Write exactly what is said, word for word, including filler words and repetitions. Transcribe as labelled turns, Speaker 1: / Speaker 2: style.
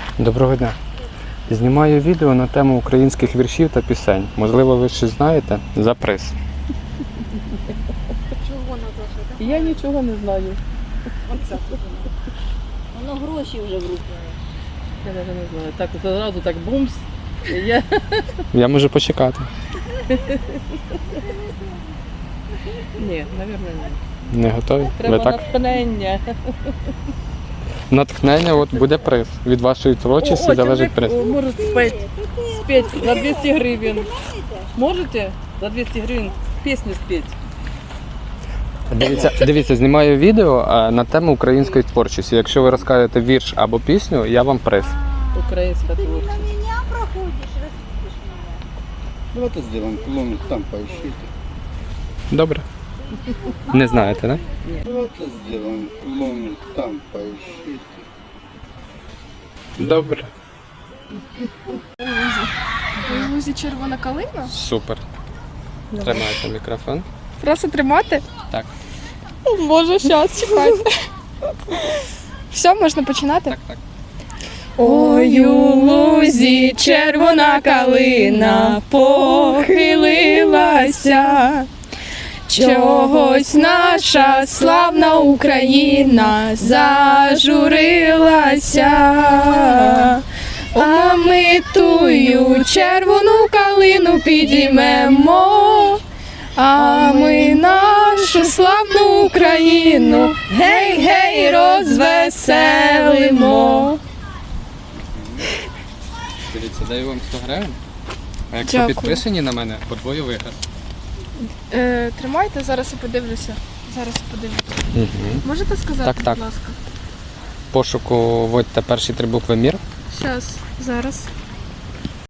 Speaker 1: Доброго дня. Знімаю відео на тему українських віршів та пісень. Можливо, ви щось знаєте? За приз.
Speaker 2: Чого Наташа?
Speaker 3: Я нічого не знаю.
Speaker 2: Оце. Воно гроші вже в руки.
Speaker 3: Я навіть не знаю. Так одразу так бумс. Я...
Speaker 1: Я можу почекати.
Speaker 3: Ні, мабуть, ні.
Speaker 1: Не готові?
Speaker 3: Треба
Speaker 1: Ви так?
Speaker 3: натхнення.
Speaker 1: Натхнення, от буде приз. Від вашої творчості
Speaker 3: О,
Speaker 1: залежить приз.
Speaker 3: человек может спеть, спеть за двести гривен. Можете за двести гривен песню спеть?
Speaker 1: Дивіться, дивіться, знімаю відео а, на тему української творчості. Якщо ви розкажете вірш або пісню, я вам приз.
Speaker 3: Украинская творчество.
Speaker 2: Меня проходишь, распишешь меня.
Speaker 4: Давайте сделаем клон, там поищите.
Speaker 1: Добре. Не знаєте, так?
Speaker 4: Давайте сделаем клон, там поищите.
Speaker 1: Добре.
Speaker 5: У лузі червона калина?
Speaker 1: Супер. Тримайте мікрофон.
Speaker 5: Просто тримати?
Speaker 1: Так.
Speaker 5: Боже, щас, чекайте. Все, можна починати?
Speaker 1: Так, так.
Speaker 5: Ой, у лузі червона калина похилилася, чогось наша славна Україна зажурилася, а ми тую червону калину підіймемо, а ми нашу славну Україну гей-гей розвеселимо.
Speaker 1: Дивіться, даю вам сто гривень. А якщо
Speaker 5: Дякую.
Speaker 1: підписані на мене, подвою виграш.
Speaker 5: Е, тримайте, зараз я подивлюся. Зараз я подивлюся.
Speaker 1: Угу.
Speaker 5: Можете сказати,
Speaker 1: Так, так.
Speaker 5: будь ласка?
Speaker 1: Пошуку вводьте перші три букви мір.
Speaker 5: Щас, зараз.